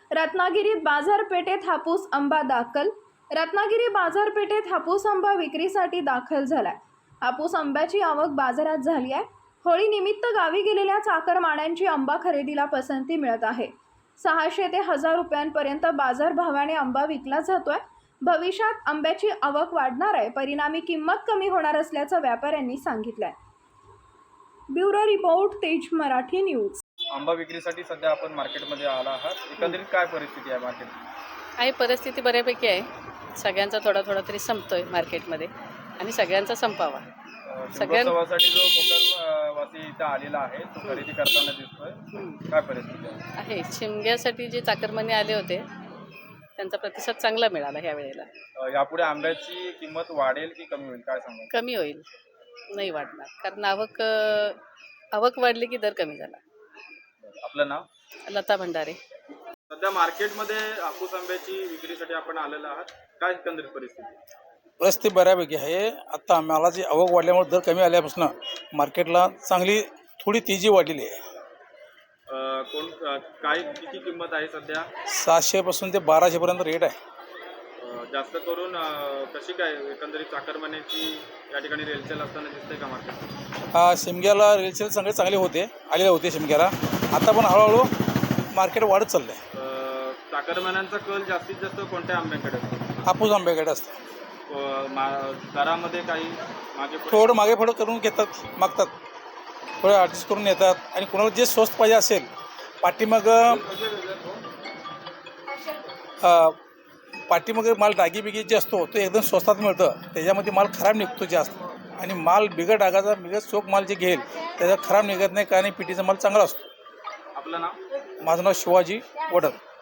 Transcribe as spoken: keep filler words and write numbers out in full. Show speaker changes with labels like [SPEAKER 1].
[SPEAKER 1] रत्नागिरीत बाजारपेठेत हापूस आंबा दाखल. रत्नागिरी बाजारपेठेत हापूस आंबा विक्रीसाठी दाखल झालाय. हापूस आंब्याची आवक बाजारात झाली आहे. होळी निमित्त गावी गेलेल्या चाकरमान्यांची आंबा खरेदीला पसंती मिळत आहे. सहाशे ते हजार रुपयांपर्यंत बाजारभावाने आंबा विकला जातोय. भविष्यात आंब्याची आवक वाढणार आहे, परिणामी किंमत कमी होणार असल्याचं व्यापाऱ्यांनी सांगितलंय. ब्युरो रिपोर्ट, तेज मराठी न्यूज.
[SPEAKER 2] आंबा विक्रीसाठी सध्या आपण मार्केटमध्ये आला आहात. एकंदरीत काय परिस्थिती आहे मार्केट?
[SPEAKER 3] आहे परिस्थिती बऱ्यापैकी आहे. सगळ्यांचा थोडा थोडा तरी संपतोय मार्केटमध्ये आणि सगळ्यांचा संपावा.
[SPEAKER 2] सगळ्यांसाठी जो कोकण वासी इथं आलेला आहे तो खरेदी करताना दिसतोय, काय परिस्थिती आहे?
[SPEAKER 3] आहे शिमग्यासाठी जे चाकरमाने आले होते त्यांचा प्रतिसाद चांगला मिळाला ह्या वेळेला.
[SPEAKER 2] यापुढे आंब्याची किंमत वाढेल की कमी होईल, काय सांगा?
[SPEAKER 3] कमी होईल, नाही वाढणार, कारण आवक आवक वाढली की दर कमी झाला.
[SPEAKER 2] आपलं नाव?
[SPEAKER 3] लता भंडारे.
[SPEAKER 2] सध्या मार्केटमध्ये हापूस आंब्याची विक्रीसाठी आपण आलेलो आहात, काय एकंदरीत परिस्थिती?
[SPEAKER 4] परिस्थिती बऱ्यापैकी आहे. आता आम्हाला जी आवक वाढल्यामुळे दर कमी आल्यापासून मार्केटला चांगली थोडी तेजी वाढलेली आहे.
[SPEAKER 2] कोण काय किती किंमत आहे सध्या?
[SPEAKER 4] सातशेपासून ते बाराशेपर्यंत रेट आहे.
[SPEAKER 2] जास्त करून कशी काय एकंदरीत चाकरमान्याची या ठिकाणी रेलसेल असताना दिसते का मार्केट?
[SPEAKER 4] हा, शिमग्याला रेलसेल सगळे चांगले होते, आलेले होते शिमग्याला. आता पण हळूहळू मार्केट वाढत चाललं आहे.
[SPEAKER 2] चाकरमान्यांचा कल जास्तीत जास्त कोणत्या आंब्याकडे असतो?
[SPEAKER 4] हापूस आंब्याकडे असतं.
[SPEAKER 2] दरामध्ये काही मागे
[SPEAKER 4] थोडं मागे पुढं करून घेतात, मागतात, थोडं ॲडजस्ट करून येतात. आणि कोणाला जे स्वस्त पाहिजे असेल, पाठीमाग पाठीमागे माल डागी बिगी जे असतो तो एकदम स्वस्तात मिळतं. त्याच्यामध्ये माल खराब निघतो जास्त, आणि माल बिगट डागाचा बिगट चोख माल जे घेईल त्याचा खराब निघत नाही, कारण पिटीचा माल चांगला असतो.
[SPEAKER 2] आपलं नाव?
[SPEAKER 4] माझं नाव शिवाजी वडद.